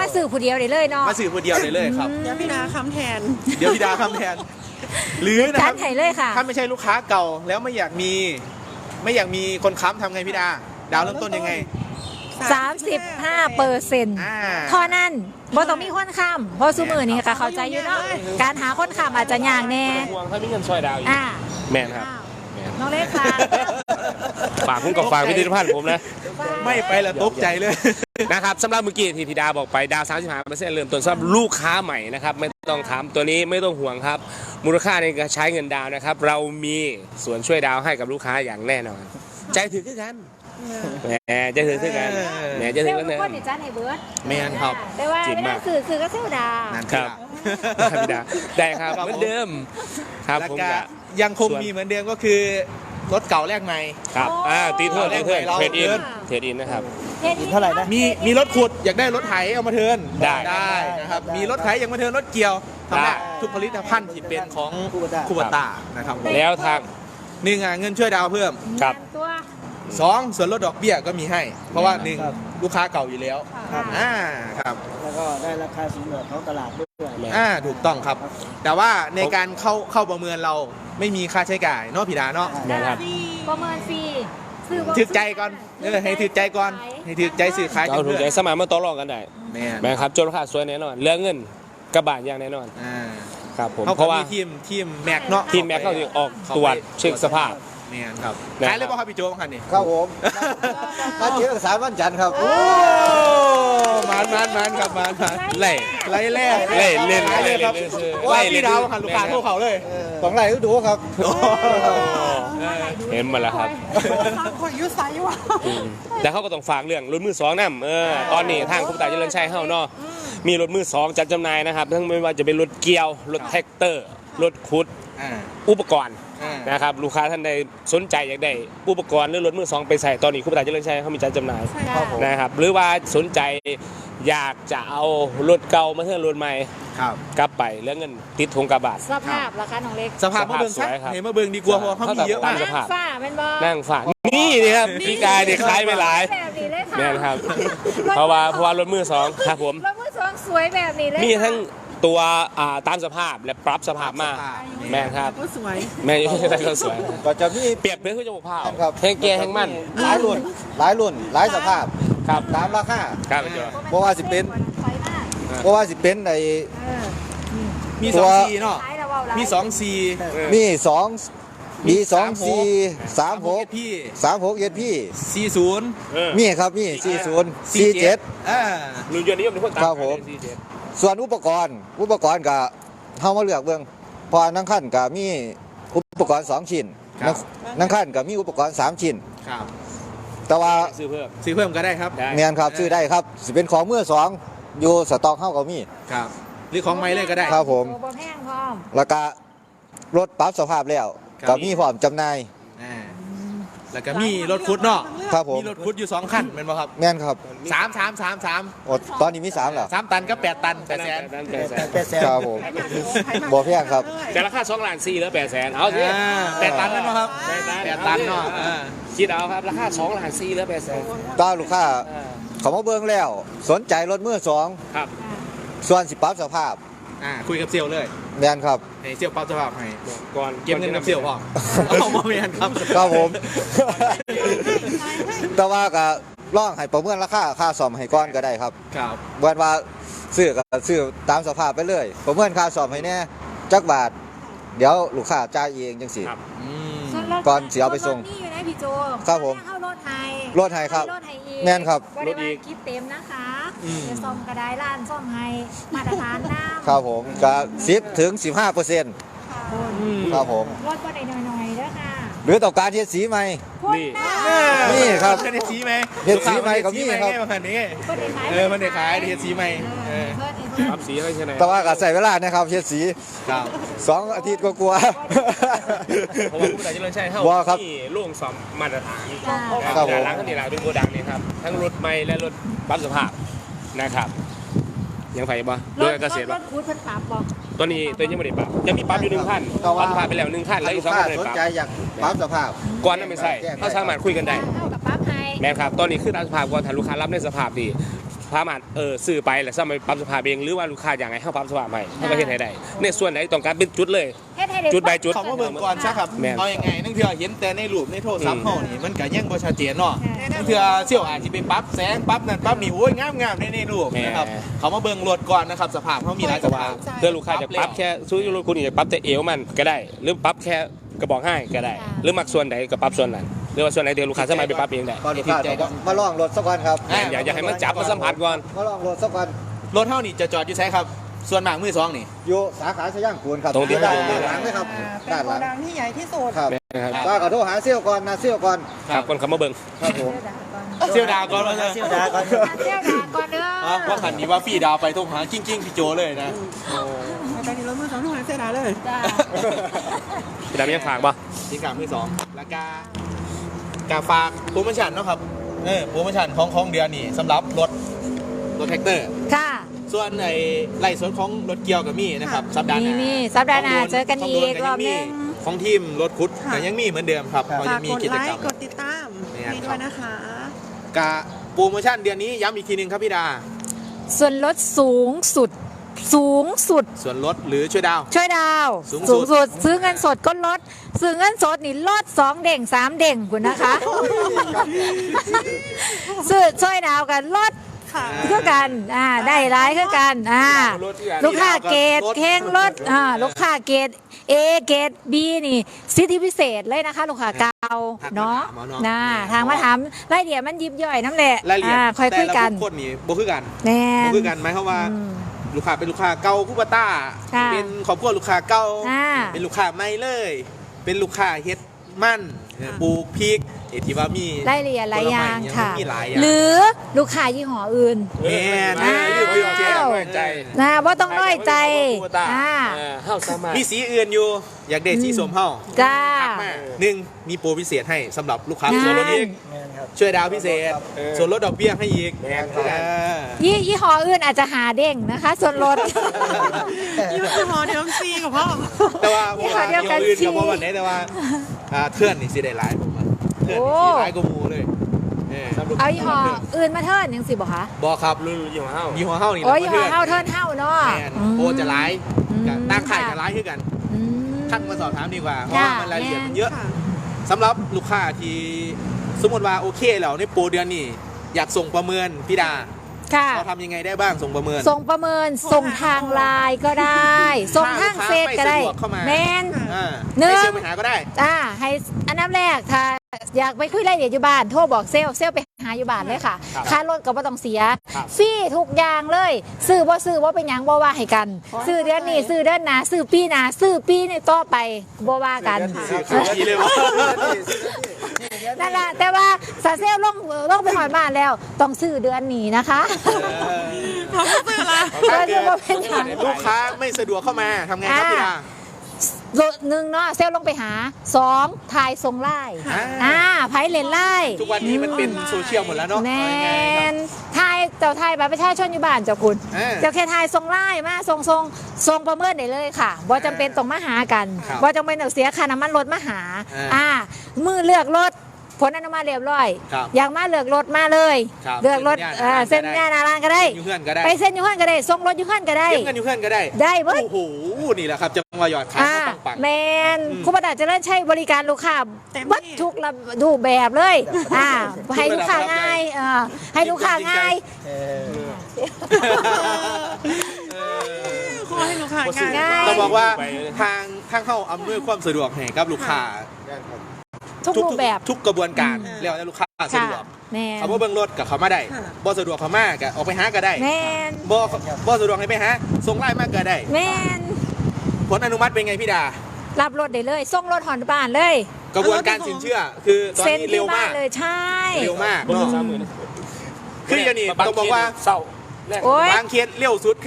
S2: มาสื่อผู้เดียวได้เลยเนาะ
S6: มาสื่อคนเดียวได้เลยครับ
S1: เดี๋ยวพี่ดาคำแทน
S6: เดี๋ยวพี่ดาคำแทนหรือนะค
S2: จั
S6: รั
S2: ด
S6: บ
S2: ให้เลยค่ะ
S6: ถ้าไม่ใช่ลูกค้าเก่าแล้วไม่อยากมีไม่อยากมีคนค้ำทำไงพี่ดา ดาวเริ่มต้นยังไง
S2: สามสิบห้าเปอร์เซ็นต์
S6: อ่า
S2: เท่านั้นบ่ต้องมีคนค้ำเพราะซุมือนี่ค่ะเข้าใจอยู่เนาะการหาคนค้ำอาจจะยากแน่
S3: ห่วงถ้ามีเงินช่วยดาวอีก
S2: อ่า
S3: แม่นครับ
S2: น้องเล็กค่ะ
S3: ฝากผมกับฝากพิพิธภัณฑ์ผมนะ
S6: ไม่ไปละตกใจเลย
S3: นะครับสำหรับเมื่อกี้ที่พี่ดาบอกไปดาว สามสิบห้าเปอร์เซ็นต์ เริ่มต้นสำหรับลูกค้าใหม่นะครับไม่ต้องถามตัวนี้ไม่ต้องห่วงครับ มูลค่าในการใช้เงินดาวนะครับ เรามีส่วนช่วยดาวให้กับลูกค้าอย่างแน่นอน ใจถึงขึ้นกันแหมใจถึงขึ้นกันแหมใจถึ
S2: เซ
S3: ง
S2: ล
S3: กั
S2: ล์
S3: น
S2: ทุก
S3: นะ
S2: คนนี่จ้าในเบิร์ด
S6: แมนครับ
S2: แต่ว่า
S3: จริง
S2: ไม่
S3: มา
S2: ได้
S3: ก
S2: สื่อสื่อก็เซลล์ดา
S6: นั่น
S3: ครับพี่ดาได้ครับเหมือนเดิมครับ
S6: แล้ว
S3: ผม
S6: ก็
S3: จะ
S6: ยังคงมีเหมือนเดิมก็คือรถเก่าแลกใหม่
S3: ครับอ่าตีเทิร์นตีเทิร์น
S6: เรา
S3: เทรดอิน
S6: เทิร์น
S3: เทรดอินนะครับ
S4: เท่าไหร่นะ
S6: มีมีรถขุดอยากได้รถไถเอามาเทิร์น
S3: ได้
S6: ได้นะครับ
S4: ได้
S6: มีรถไถอยากมาเทิร์นรถเกี่ยวทำ
S3: ได้
S6: ได้ทุกผลิตภัณฑ์ที่เป็นของ
S4: คูบต้า
S6: คูบต้านะครับผม
S3: แล้วทาง
S6: หนึ่งอ่ะเงินช่วยดาวเพิ่ม
S3: ครับ
S2: ตัว
S6: สองส่วนลดดอกเบี้ยก็มีให้ เพราะว่าหนึ่ง
S4: ครับ
S6: ลูกค้าเก่าอยู่แล้ว
S4: ครับ
S6: อ่าครับ
S4: แล้วก็ได้ราคาสูงกว่าท้องตลาดด้วย
S6: อ่าถูกต้องครับ แต่ว่าในการเข้าเข้าประเมินเราไม่มีค่าใช้จ่ายเนาะพี่ดาเนาะ
S3: นะครับ
S2: ประเมินฟรีซื้อบ่
S6: ถือใจก่อนเออให้ถือใจก่อนให้ถือใจสื่อขาย
S3: เอาถูกใจสมัยมาต่อรองกันได้
S6: แม่น
S3: แม่ครับจนราคาสวยแน่นอนเหลือเงินกระบาดอย่างแน่นอน
S6: อ่า
S3: ครับผม
S6: เขา
S3: เพราะว่า
S6: มีทีมทีมแม็กเนาะ
S3: ทีมแม็กเขาจะออกตรวจเช็คสภาพ
S6: แม่นครับ
S3: นะครับ
S6: ขายเลยป่ะครับพี่โจบ้างคันนี่
S5: ครับผมมาเจอสามวันจันทร์ครับ
S6: โอ้มันมันมันครับมันมัน
S3: ไล่
S6: ไล่แรก
S3: ไล่เล่น
S6: ไล่เลยครับ
S3: ไล่เล่นซื้อ
S6: ไล่
S3: ไล่เล่
S6: พี่
S3: น
S6: ดาวหันลูกค้าเข้าเขาเลย
S5: ของไรก็ดูครับ
S3: เห็นหมาแล้วครับ
S1: ขอยุไซว่ะ
S3: อืมแต่เขาก็ต้องฝากเรื่องรถมือสองนำเออตอนนี้ทางคุณตาเจริญชัยเฮาเนาะมีรถมือสองจัดจำหน่ายนะครับทั้งไม่ว่าจะเป็นรถเกียวรถแท็กเตอร์รถขุด
S6: อ่า
S3: อุปกรณ์
S6: อ่า
S3: นะครับลูกค้าท่านใดสนใจอยากได้อุปกรณ์หรือรถมือสองไปใส่ตอนนี้คุณตาเจริญชัยเขามีจัดจำหน่าย
S4: ครับผม
S3: นะครับหรือว่าสนใจอยากจะเอารถเก่ามาเทิร์นรถใหม่
S6: ครับ
S3: กลับไปแล้วเงินติดธงกระบาด
S2: สภาพราคาน้องเล็ก
S6: สภาพมาเบิ่ง
S3: สวยครับ
S6: เห็นมาเบิ่งดีกว่าเพราะว่าเขามีเยอะมาก
S3: สภาพ
S2: ฝ้าเป็นบ่
S3: นั่งฝากนี่นี่ครับพี่กายนี่คล้ายไปหลาย
S2: แบบนี้เลยค่ะ
S3: แม่นครับ เพราะว่าเพราะว่ารถมือสองครับผม
S2: รถมือสองสวยแบบนี้เลย
S3: มีทั้งตัวอ่าตามสภาพและปรับสภาพมาแม่นครับ
S1: ก็สวย
S3: แม่นยังได้ก็สวย
S5: ก็จะมี
S3: เปรียบเพื่อคุณจมูกเผา
S5: ครับ
S3: แห้งแก่แห้งมัน
S5: หลายรุ่นหลายรุ่นหลายสภาพ
S3: ครับ
S5: ตามราคา
S3: ครับพี่โจ
S5: เพราะว่าสิเป็น เพราะว่าสิเป็นใน
S6: มี
S5: ตั
S6: สอ
S5: ว
S6: งซีเนาะมีสองซี
S5: มีสองมีสองสี่สามหก
S6: พี่
S5: สามหกเอ็ดพี่
S6: ซีศูนย์
S3: เออ
S5: มีครับมีสี่ศูนย์สี่เจ็ด
S6: อ่า
S3: รุ่นยนต์นิยมในคนตาม
S5: ครับผม
S3: สี่เจ็ด
S5: ส่วนอุปกรณ์ อุปกรณ์ก็เฮามาเลือกเบิ่งเพอนั่งขั้นก็มีอุปกรณ์สองชิ้นนั่งนั่งขั้นก็มีอุปกรณ์สามชิ้น
S6: ครับ
S5: แต่ว่า
S3: ซื้อเพิ่ม
S6: ซื้อเพิ่มก็ได้ครับ
S3: ได้
S5: เมียนครับซื้อได้ครับสิเป็นของมือสองอยู่สต็อกเฮาก็มี
S6: ครับหรือของไม้เลยก็ได้
S5: ครับผม
S2: ตัวบ่แพงพร้อม
S5: แล้วก็รถปรับสภาพแล้ว
S6: ครับ
S5: ก็มีพร้อมจำหน่าย
S6: อ่าแล้วก็มีรถคุดเนาะ
S5: ครับผม
S6: มีรถคุดอยู่สองคันเป็นป่ะครับ
S5: แม่นครับ
S6: สามสามสามสาม
S5: โอ้ตอนนี้มีสามแล้ว
S6: สามตันก็แปดตันแปดแสน
S3: แปดแสน
S4: แปดแสน
S5: ครับผมบ่แพงครับ
S3: แต่ราคาสองล้านสี่แล้วแปดแสนเอาสิ
S6: อ่าแปดตันนั่นป่ะครับ
S3: แปดตัน
S6: แปดตันเนาะอ่า
S3: คิดเอาครับราคาสองล้านสี่แล้วแปดแสน
S5: ก็ลูกค้าเขามาเบิ่งแล้ว สนใจรถมือสอง
S3: ครับ
S5: ส่วนสิปรับสภาพ
S6: อ่าคุยกับเซลลเลย
S5: แม่นครับ
S6: ให้เซลลปั๊บสภาพให้
S3: ก่อน
S6: เก็บเงินกับเซลลพอเอามาเมียนครับ
S5: ครับผม แต่ว่าก็ลองให้ประเมินราคาค่าซ่อมให้ก่อนก็ได้ครับ
S6: ครับ
S5: เบิ่นว่าซื้อก็ซื้อตามสภาพไปเลย ประเมินค่าซ่อมให้แน่จักบาท เดี๋ยวลูกค้าจ่ายเองจังซี่
S3: ครับ
S6: อืม
S2: ส่วนรถ
S5: ก่อนสิเอาไปส่ง
S2: รถนี่อยู่นะพี่โจ
S5: ครับผม
S2: เข้ารถไทย
S5: รถไทยครับ
S2: รถไทยอีก
S5: แม่นครับ
S2: บ่ได้ว่าคิดเต็มนะคะจะซ่อมกระไดร้านซ่อมให้มาตรฐานน้ำ
S5: ครับผมก็สิบถึงสิบห้าเปอร์เซ็นต์ครับผม
S2: รถบ่ได้หน่อยๆเด้อค่ะ
S5: หรือต้องการเฮ็ดสีใหม่
S2: พ่นหน้า
S5: นี่ครับ
S6: เฮ็ดสีไหม
S5: เฮ็ดสีไหมก็มีครับ
S6: เฮ็ดสีไหมคันนี้
S2: บ่ได้ขาย
S6: เออมันได้ขายเฮ็ดสีไหมเออ
S2: เพิ่นเพิ่น
S3: ครับสีให้ใช่ไหม
S5: แต่ว่าก็ใส่เวลานะครับเฮ็ดสี
S6: ครับ
S5: สองอาทิตย์ก็กลัวา
S3: เพราะว่าผู้ใดจะเลินใช้เข้า
S5: ว่าครับ
S3: ที่โล่งสอมมาตรฐาน
S2: จ้า
S5: ครับผม
S3: ร้านข้างนี้ร้านเป็นโกดังนี่ครับทั้งรถใหม่และรถปรับสภาพนะครับยังไฟบ่โดยการเกษตร
S2: ร
S3: บ่
S2: ถคูดเพิ่นปรับบ่
S3: ตัวนี้ตัวนี้ยังไม่ได้ปรับยังมีปรับอยู่หนึ่งขั้นปรับสภาพไปแล้วหนึ่งขั้นแล้วอี
S5: ลู
S3: ก
S5: ก
S3: สอง
S5: ค้า
S3: ขั้นไม่
S5: ส
S3: ได้
S5: น
S3: ปรับ
S5: ใจอยากปรับสภาพ
S3: ก่อนนั้นไม่ใช่เขาสามารถคุยกันได้
S2: เท่ากับปรับให้
S3: แม่นครับตอนนี้คือตามสภาพก่อนถ้าลูกค้ารับในสภาพดีสามารถเออซื้อไปแล้วสามารถปรับสภาพเองหรือว่าลูกค้าอย่างไรให้ปรับสภาพใหม่ให้ประเทศให้ได้ในส่วนไหนต้องการเป็นจุดเลย
S2: เฮ็ดให้ได้
S3: จุดใบจุด
S6: เขามาเบิ่งก่อนซะครับ
S3: แม่น
S6: เอายังไงนั่งเถื่อเห็นแต่ในรูปในโทรศัพท์
S3: อืม
S6: เฮานี่มันก็ยังบ่ชัดเจนเนาะนั่งเถื่อเสี่ยวอาจสิไปปรับแสงปรับนั่นปรับนี่โอ้ยงามๆในในรูปนะครับเขามาเบิ่งรถก่อนนะครับสภาพเฮามีหลายสภาพ
S3: เพื่อลูกค้าจะปรับแค่ซื้อรถคุณอยากปรับแต่เอวมันก็ได้ หรือปรับแค่กระบอกให้ก็ได้ หรือมักส่วนไหนก็ปรับส่วนนั้นหรือว่าส่วนไหนเดี๋ยวลูกค้าสามารถไปปรับเองได้
S5: ก่อนลูกค้าต้องมาลองรถสักวันครับ
S6: อ่ะ
S3: อยากอยากให้มันจับมาสัมผัสก่อน
S5: มาลองรถสักวัน
S6: รถเฮานี่จะจอดอยู่ไสครับ ส่วนมากมือสองนี่
S5: อยู่สาขาชย่างกูลครับ
S3: ตรงที่
S5: ด้านหลังเลยครับ
S1: เป็น
S5: ด้าน
S1: โก
S5: หลัง
S1: ดังที่ใหญ่ที่สุด
S5: ครับ
S3: นะครับ
S5: ก็ขอโทษหาเซี่ยวก่อนนะเซี่ยวก่อน
S3: ครับคนเขามาเบิ่ง
S5: ครับผม
S6: เสี่ยวดาวก่อนว่าซะ
S4: เซี่ยวดาก่อน
S2: เที่ยวดาก่อนเด้อ
S6: อ่ะว่าคันนี้ว่าฟรีดาวไปโทรหากิ้งกิ้งๆพี่โจเลยนะ
S1: ไปนี่รถมือสองทุกคนเสียดายเลย
S2: จ้า
S3: พี่ดำยังฝากป่ะ
S6: ที่กลางมือสองแล้วก็กาฝากโปรโมชั่นเนาะครับเออโปรโมชั่นของของเดือนนี่สำหรับรถรถแท็กเตอร์
S2: ค่ะ
S6: ส่วนไอ้ไล่ส่วนของรถเกียวกับมีนะครับสัปดาห์ห
S2: มี
S6: น้า
S2: มีสัปดาห์หน้า
S6: ของโ
S2: เจอกันอีก
S6: ขงโด
S2: รอบนึง
S6: ของทีมรถคุด
S1: ค่ะ
S6: แต่ยังมีเหมือนเดิมครับเขา
S1: ฝา
S6: ยั
S1: ก
S6: งมี
S1: กด
S6: กิ
S1: ไล
S6: จกรรม
S1: ค์กดติดตาม
S6: เนี่ย
S1: นี่
S6: ครั
S1: ด้ว
S6: บ
S1: ยนะคะ
S6: กะโปรโมชั่นเดือนนี้ย้ำอีกทีหนึงครับพี่ดา
S2: ส่วนลดสูงสุด สูงสุด
S6: ส่วนลดหรือช่วยดาว
S2: ช่วยดาว
S6: สูงสุด
S2: สุด ซื้อเงินสดก็ลด ซื้อเงินสดนี่ลดสองเด่งสามเด่งคุณนะคะ ซื้อช่วยดาวกันลด
S1: ค่ะ
S2: คือกันอ่าได้ร้ายคือกันอ่าลูกค้าเกรดเข่งลดอ่าลูกค้าเกรด A เกรด B นี่สิทธิพิเศษเลยนะคะ ลูกค้าเก่าเนาะนะทางมาถามรายละเอียดมันยิบย่อยน้ำแหละ
S6: รายละเอียด
S2: อ่าค่อยคุยกัน
S6: แต่ละบุคคลนี่บ่คือกัน
S2: แน่
S6: บ่คือกันหมายความว่า
S2: อืม
S6: ลูกค้าเป็นลูกค้าเก่าคูปต้า
S2: ค่ะ
S6: เป็นครอบครัวลูกค้าเก่า
S2: อ่า
S6: เป็นลูกค้าใหม่เลย เป็นลูกค้าเฮ็ดมั่นเออปลูกพริกเอที่ว่ามี
S2: รายละเอียดหลายอย่าง
S6: ผลไม้
S2: ค่ะ
S6: มีหลายอย่าง
S2: หรือลูกค้ายี่ห้ออื่น
S6: แม่น
S2: อ้าว
S6: เรื่องเรื่องแจ้ง
S3: น้อยใจ
S2: นะว่าต้องน้อยใจอ่า
S3: เออเฮาสามารถ
S6: มีสีอื่นอยู่ อยากได้สีส้มเฮา
S2: จ้า
S6: ทักมาหนึ่งมีโปรพิเศษให้สำหรับลูกค้า
S2: นั่น
S6: ส่วนลดอีก
S4: แม่นครับ
S6: ช่วยดาวพิเศษ
S3: เออ
S6: ส่วนลดดอกเบี้ยให้อีก
S3: แม่นครับ
S6: เออ
S2: ยี่ยี่ห้ออื่นอาจจะหาเด้งนะคะ ส่วนลด
S1: ยูทูบฮอเดิมซีกับพ่อ
S6: แต่ว่า
S2: ยี่
S6: ผม
S2: ห้อ
S6: ว่า
S2: เดียวกัน
S6: อื่น
S2: สิ
S6: กับว่าวันไหนแต่ว่าอ่าเทื่อนนี่สิได้หลายผมว่าเทื่อนนี่สิหลายกว่าหมูเลยเออ
S2: เอายี่ห้ออื่นมาเทิร์นยังสิบอกคะ
S6: บอกครับ
S3: รุ่นยี่ห้อเฮา
S6: ยี่ห้อเฮานี่
S2: โอ้ย
S6: แห
S2: ยี่
S6: ละ
S2: ห้อเท่าเทิร์นเท่าเนาะ
S6: แม่นโปรจะหลาย
S2: อืม
S6: กับตั้งขายจะหลายขึ้นกัน
S2: อืม
S6: ทักมาสอบถามดีกว่า เพราะ
S2: จ้ะ
S6: ว่ามันรายละเอียดมันเยอะ
S1: ค่ะ
S6: สำหรับลูกค้าที่สมมติว่าโอเคแล้วในโปรเดือนนี้อยากส่งประเมินพี่ดา
S2: ค่ะ
S6: เราทำยังไงได้บ้างส่งประเมิน
S2: ส่งประเมินส่งทางไลน์ก็ได้ ส่งทางเฟซก็ได้
S6: ถ้าลูกค้าไม่สะดวกเข้ามา
S2: แมน
S6: อ่า
S2: หนึ่ง
S6: ให้เซลล์ไปหาก็ได้
S2: อ่าให้อันดับแรกถ้าอยากไปคุยรายละเอียดอยู่บ้านโทรบอกเซลลเซลลไปหาอยู่บ้านเลยค่ะ
S3: ครับ
S2: ค่ารถก็บ่ต้องเสีย
S3: ครับ
S2: ฟรีทุกอย่างเลยซื้อบ่ซื้อบ่เป็นหยังบ่ว่าให้กัน ซื้อเดือนนี้ซื้อเดือนหน้าซื้อปีหน้าซื้อปีนี้ต่อไปบ่ว่ากัน
S6: สื่อข่าวดีเลยวะ
S2: นั่นแหละแต่ว่าสาเซลลลงลงไปหอยบ้านแล้ว ต้องซื้อเดือนนี้นะคะเดือนนี้บ่เป็นหยัง
S6: ลูกค้าไม่สะดวกเข้ามาทำไงครับพี่ดา
S2: หนึ่งเนาะเซลลลงไปหาสองถ่ายทรงไล่
S6: อ่า
S2: อ่าไพ่เลนไล่
S6: ทุกวันนี้มันเป็นโซเชียลหมดแล้วเนาะ
S2: แม
S6: เอาง่ายๆครับ
S2: นทายเจ้าทายบัตรประชาชนอยู่บ้านเจ้าคุณ
S6: เออ
S2: เจ้าแค่ทายทรงไล่มาทรงทรงทรงประเมินได้เลยค่ะบ่จำเป็นต้องมาหากัน
S6: ครับ
S2: บ่จำเป็นต้องเสียค่าน้ำมันรถมาหา
S6: อ่า
S2: อ่ามือเลือกรถผลอนุมัติเรียบร้อย
S6: ครับ
S2: อยากมาเลือกรถมาเลย
S6: ครับ
S2: เลือกรถเอ่อ
S6: เซ็
S2: เส้น
S6: น
S2: ยา
S6: หน้า
S2: นา
S6: ร้านก็ได้
S2: รานก็ได้
S6: อยู่เพื่อนก็ได้
S2: ไปเส้นอยูเฮือนก็ได้ส่งรถอยูเฮือนก็ได้
S6: เก็บเงินอยู่เพื่อนก็ได้
S2: ได้เบิด
S6: โอ้โหนี่แหละครับจังหวะหยอดขาย
S2: อ่า
S6: เขาปังปัง
S2: แมน
S6: อืม
S2: คุณประดาเจะเริ่มใช้บริการลูกค้า
S1: เต็มที่
S2: เบัดทุกระรูปแบบเลยอ่าให้ลูกค้าง่ายเออให้ลูกค้าง่าย
S4: เออ
S1: ขอให้ลูกค้าง่าย
S2: ง่าย
S6: ต้องบอกว่าทางทางเข้าอำนวยความสะดวกให้กับลูกค้า
S2: ทุกรูปแบบ
S6: ทุกกระบวนการ
S2: อืม
S6: แล้วแต่ลูกค้าสะ
S2: ค่ะ
S6: ดวก
S2: แมน
S6: เขาบ่เบิ่งรถกับเขามาได้
S1: ค่ะ
S6: บ่สะดวกเขามาก็ออกไปหาก็ได้
S2: แมน
S6: บ่บ่สะดวกให้ไปหาส่งไลน์มาก็ได้
S2: แมน
S6: ผลอนุมัติเป็นไงพี่ดา
S2: รับรถได้เลยส่งรถหอนบ้านเลย
S6: กระบวนการสินเชื่อ คือตอน
S2: เซ็น
S6: นี้
S2: ที่
S6: เร็ว
S2: บ้าม
S6: าน ก
S2: เลยใช่
S6: เร็วมาก
S3: บน
S6: เนาะ
S3: สามหมื่น
S6: คืออย่างนี้ต้องบอกว่า
S3: เศร้าแรก
S2: โอ้ย
S6: บางเคสเร็วสุดคือ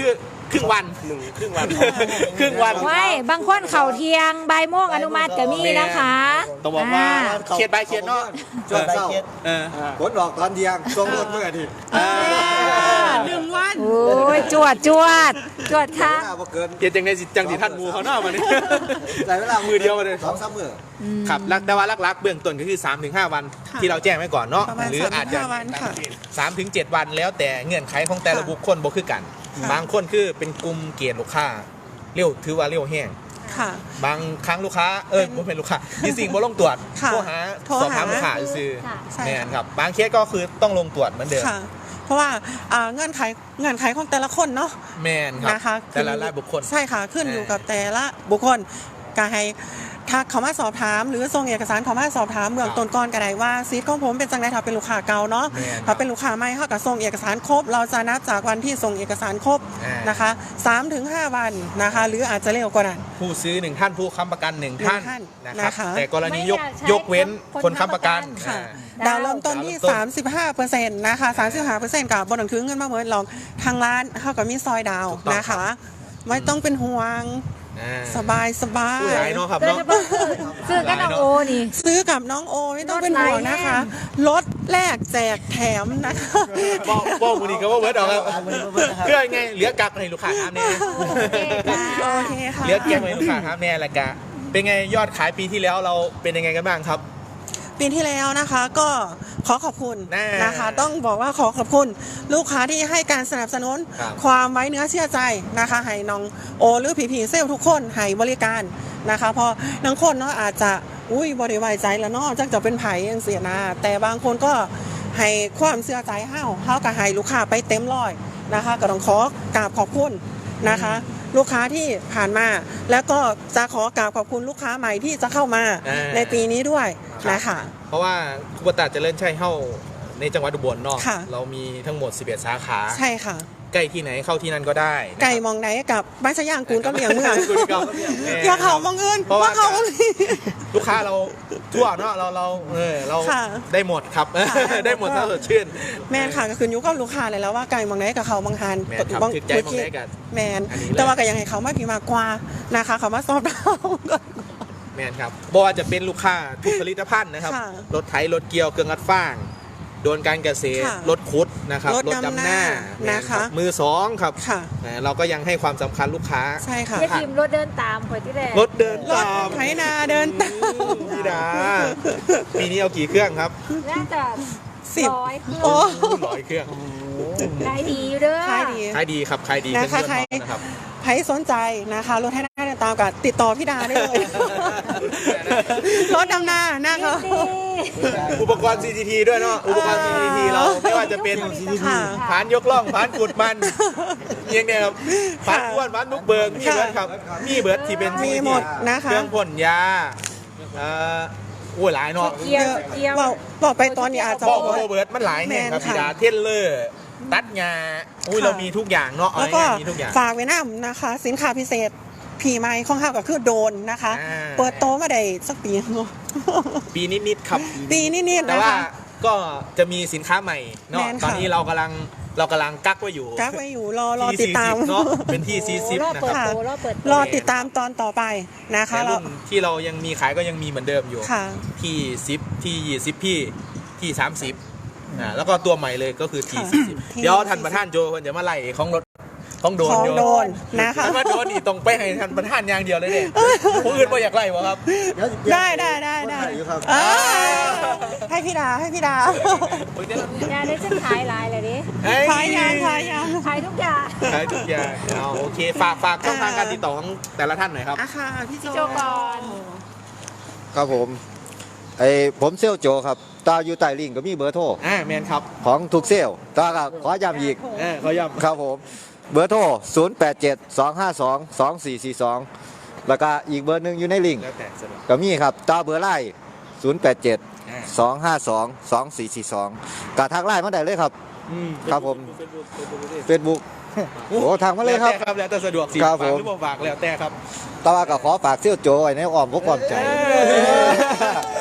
S6: ครึ่งวัน
S3: หนึ่งครึ่งวัน
S6: ครึ่งวัน
S2: ไว้บางคนเข่าเที่ยงบ่ายโมงอนุมัติก็มีนะคะ
S6: ต้องบอกว่า
S2: อ่า
S6: เขียนใบเขียนเนาะ
S5: ช่วงเช้า
S6: เออ
S5: ผลออกตอนเที่ยงส่งรถเมื่ออาทิตย์
S1: หนึ่งวัน
S2: โอ้ยจวดจวดจวดค่ะ
S5: เวลาบ่เกิน
S6: เขียนจังในสิจังสิท่านหมูเขาเนาะมาเนี่ย
S5: ใส่เวลา
S6: มือเดียวมาเลย
S5: สองสามมือ
S6: ครับแล้วแต่ว่าลักๆเบื้องต้นก็คือ สามถึงห้า วัน
S1: ค่ะ
S6: ที่เราแจ้งไว้ก่อนเนาะ
S1: ประมาณ
S6: หรืออาจจะ
S1: สามถึงห้าวันค่ะ
S6: สามถึงเจ็ดวันแล้วแต่เงื่อนไขของแต่ละ
S1: ค่ะ
S6: บุคคลบ่คือกัน
S1: ค่ะ
S6: บางคนคือเป็นกลุ่มเกณฑ์ลูกค้าเร็วถือว่าเร็วแห้ง
S1: ค่ะ
S6: บางครั้งลูกค้าเออบ่เป็นลูกค้ามีสิ่งบ่ลงตรวจ
S1: ค่ะ
S6: โทรหา
S1: โทร
S6: สอบถาม
S1: หา
S6: ลูกค้าซื้อ
S2: ค่ะ
S1: ใช่
S6: แม่น
S1: ค่ะ
S6: ครับบางเคสก็คือต้องลงตรวจเหมือนเดิม
S1: ค่ะ เพราะว่าอ่าเงื่อนไขเงื่อนไขของแต่ละคนเนาะ
S6: แม่นครับ
S1: นะคะ
S6: แต่ละรายบุคคล
S1: ใช่ค่ะขึ้นอยู่
S6: อ่า
S1: กับแต่ละบุคคลก็ให้ทักเขามาสอบถาม หรือส่งเอกสารเขามาสอบถามเบื้องต้นก่อนก็ได้ว่าซีทของผมเป็นจังไดถ้าเป็นลูกค้าเก่าเนาะ
S6: แม่น
S1: ถ้าเป็นลูกค้าใหม่เขาก็ส่งเอกสารครบ เราจะนับจากวันที่ส่งเอกสารครบ
S6: อ่าน
S1: นะคะสามถึงห้าวันนะคะ หรืออาจจะเร็วกว่านั้น
S6: ผู้ซื้อหนึ่งท่านผู้ค้ำประกันหนึ่งท่าน
S1: หนึ่งท่าน
S6: นะครับ
S1: นะคะ
S6: แต่กรณียก
S2: ไม่อยากใช้
S6: ยกเว้น
S2: คน
S6: คนค้ำประกัน
S2: ค้ำประกัน
S1: ค่ะ
S6: อ่า
S1: ดาวเริ่มต้นที่
S6: ดาวเริ่มต้น
S1: สามสิบห้าเปอร์เซ็นต์นะคะ สามสิบห้าเปอร์เซ็นต์ กับบนหนังถือเงินมาเหมือนหรอกทางร้านเขาก็มีซอยดาว
S6: ถูกต้อง
S1: นะคะ ไม่ต้องเป็นห่วง
S6: อ่า
S1: สบายสบา
S6: ผู้
S1: ย
S6: ร้ายเนาะครับ
S2: โดย
S6: เนาะ
S2: เฉพาะคือซื้อกันเอาโอนี่
S1: ซื้อกับน้องโอไม่ต้องเป็นห่วงนะคะลดแลกแจกแถมนะคะ
S6: บอกบอกมือนี้ก็ว่าเวิร์ดออกครับ
S4: อ่ามือนี้ก็เวิร์ดนะครับ
S6: เพื่อไงเหลือกักให้ลูกค้าถามแน่
S1: โอเคค่ะ
S6: เหลือแกงให้ลูกค้าถามแน่ละกะเป็นไงยอดขายปีที่แล้วเราเป็นยังไงกันบ้างครับ
S1: ปีที่แล้วนะคะก็ขอขอบคุณ
S6: แน่
S1: นะคะ ต้องบอกว่าขอขอบคุณลูกค้าที่ให้การสนับสนุน
S6: ครับ
S1: ความไว้เนื้อเชื่อใจนะคะให้น้องโอหรือผีผีเซลทุกคนให้บริการนะคะเพอบางคนเนาะอาจจะอุ้ยบริไว้ใจแล้วเนาะจักจะเป็นไผ่ยังเสียนะแต่บางคนก็ให้ความเชื่อใจเฮาเฮาก็ให้ลูกค้าไปเต็มร้อยนะคะก็ต้องขอกราบขอบคุณนะคะ ลูกค้าที่ผ่านมา แล้วก็จะขอกราบขอบคุณลูกค้าใหม่ที่จะเข้ามา
S6: อ่า
S1: ในปีนี้ด้วยนะคะ
S6: เพราะว่าคุปตาเจริญชัยเฮ้าในจังหวัดอุบลเนาะ
S1: ค่ะ
S6: เรามีทั้งหมดสิบเอ็ดสาขา
S1: ใช่ค่ะ
S6: ใกล้ที่ไหนเข้าที่นั่นก็ได้นะครับ
S1: ไก่มองไหนกับบ้านชะย่างกูนก็เมียงเมือง
S6: กูนก็แม่
S1: อย่าเขามองเงิน
S6: เพราะว่า
S1: ว่าเขามองนี้
S6: ลูกค้าเราทั่วเนาะเราเราเออเรา
S1: ค่ะ
S6: ได้หมดครับ
S1: ค่ะ
S6: ได้หมดถ้าสดชื่น
S1: แมนค่ะก็คือยุคก็ลูกค้าเลยแล้วว่าไก่มองไหนกับเขามองหัน
S6: แมนครับถึกใจมองได้กัน
S1: แมน
S6: อันนี้เลย
S1: แต่ว่าก็ยังให้เขามาผีมากกว่านะคะ เขามาซอบเรา
S6: แมนครับบอกว่าจะเป็นลูกค้าทุกผลิตภัณฑ์นะครับ
S1: ค่ะ
S6: รถไถรถเกี่ยวเครื่องอัดฟางโดนการเกษตร
S1: ค่ะ
S6: รถคุดนะครับ
S1: รถดำหน้า
S6: แม่
S1: นะคะ
S6: รับมือสองครับ
S1: ค่ะ
S6: นะเราก็ยังให้ความสำคัญลูกค้า
S1: ใช่ค่ะ
S2: เจ๊พิมพ์รถเดินตามคอยที่แรก
S6: รถเดิน
S1: รถ
S6: ตาม
S1: ไถนาเดินตาม
S6: พี่ดาปีนี้เอากี่เครื่องครับ
S2: น่าจะ
S1: สิบ
S2: ร้อยเครื่อง
S1: โอ้
S6: ร้อยเครื่อง
S2: ขายดีอยู่เด้อ
S1: ขายดี
S6: ขายดีครับขายดี
S1: นะ
S6: เป็น
S1: คะ
S6: เพื่อน
S1: ใคร
S6: พ้องนะครับ
S1: ใครสนใจนะคะรถให้หน้าเดินตามกับติดต่อพี่ดาได้เลย รถดำนานะคะ
S6: อุปกรณ์ ซี ที ที ด้วยเนาะอุปกรณ์ ซี ที ที เราไม่ว่าจะเป็น
S1: ค่ะ
S6: ผานยกล่องผานขุดมันเอียงเนี่ยครับผานอ้วนผานนุกเบิงมีเบิร์ดครับมีเบิร์ดที่เป็น
S1: มีหมดนะคะ
S6: เครื่องพ่นยาเอ่อโอ้ยหลายเนาะ
S2: เกียวเกียว
S1: บอกบอกไปตอนนี้อาจจะ
S6: บบ อ
S1: อก กว่า
S6: โบเบิร์ดมันหลายแห่งครับ
S1: แมนค่ะ
S6: พี่ดาเทนเลอร์ตัดงาอุ้ย
S1: ค่ะ
S6: เรามีทุกอย่างเนาะเอา
S1: แล้วก็
S6: ง่ายๆมีทุกอย่าง
S1: ฝากไว้น้ำนะคะ สินค้าพิเศษผีไม้ของข้าวก็คือโดนนะคะ
S6: อ่า
S1: เปิดโตมาได้สักปีเนอะ
S6: ปีนิดๆครับ
S1: ปีนิดๆ
S6: แต่
S1: นะ
S6: ว่า
S1: คะ
S6: ก็จะมีสินค้าใหม่เนาะ
S1: แมนค่ะ
S6: ตอนนี้เรากำลังเรากำลังกักไว้อยู่
S1: กักไว้อยู่รอรอ
S6: ที่
S1: ติดตาม
S6: สี่สิบเนาะเป็นที่สี่สิบ
S2: รอบ
S6: นะ
S2: เปิด
S6: ครับ
S2: โตรอบเปิดโต
S1: รอติดตามตอนต่อไปนะคะ
S6: แต่
S1: เรา
S6: รุ่นที่เรายังมีขายก็ยังมีเหมือนเดิมอยู่
S1: ค่ะ
S6: ที่สิบที่ยี่สิบพี่ที่สามสิบอ่าแล้วก็ตัวใหม่เลยก็คือที
S1: ค่ะ
S6: สี่สิบ
S1: ที่
S6: เดี๋ยวท่านประธานโจคนจะมาไล่ของรถของโดน
S1: ของ
S6: อยู่
S1: โดนนะคะ
S6: ถ้ามาโดนนี่ต้องไปให้ท่านประธานอย่างเดียวเลยเนี่ยผู้อื่นไม่อยากไล่วะครับ
S1: ได้ได้ได้ได้
S5: อยู่ครับ
S1: เออให้พี่ดาให้พี่ดา
S2: ยาได้ฉันขายหลายเลยดิ
S6: เฮ้
S1: ขายยางขายยาง
S2: ขายทุกอย่าง
S6: ขายทุกอย่างเอาโอเคฝากฝากช่องทางการติดต่อของแต่ละท่านหน่อยครับ
S1: อ่ะค่ะพี่โจ
S2: พี่โจก่อน
S5: ครับผมไอ้ผมเซลลโจครับตาอยู่ใต้ลิงก์ก็มีเบอร์โทร
S6: อ่าแมนครับ
S5: ของทุกเซลลตาก็ขอย้ำอีก
S6: เออเขาย้ำ
S5: ครับผมเบอร์โทร ศูนย์ แปด เจ็ด สอง ห้า สอง สอง สี่ สี่ สอง แล้วก็อีกเบอร์หนึ่งอยู่ในลิงก์
S6: แล้วแต่สะดวก
S5: ก็มีครับตาเบอร์ไล่ศูนย์ แปด เจ็ด
S6: อ่า
S5: สอง ห้า สอง สอง สี่ สี่ สองกะทักไลน์มาได้เลยครับ
S6: อืม
S5: ครับผม Facebook โอ้ทางมาเลยครับ
S6: แล้วแต่ครับแล้วแต่สะดวกสิ
S5: ครับ
S6: ฝาก
S5: ผม
S6: หรือบ่ฝากแล้วแต่ครับ
S5: แตว่าก็ขอฝากเซี่ยวโจไว้ในอ้อมพวกความใจ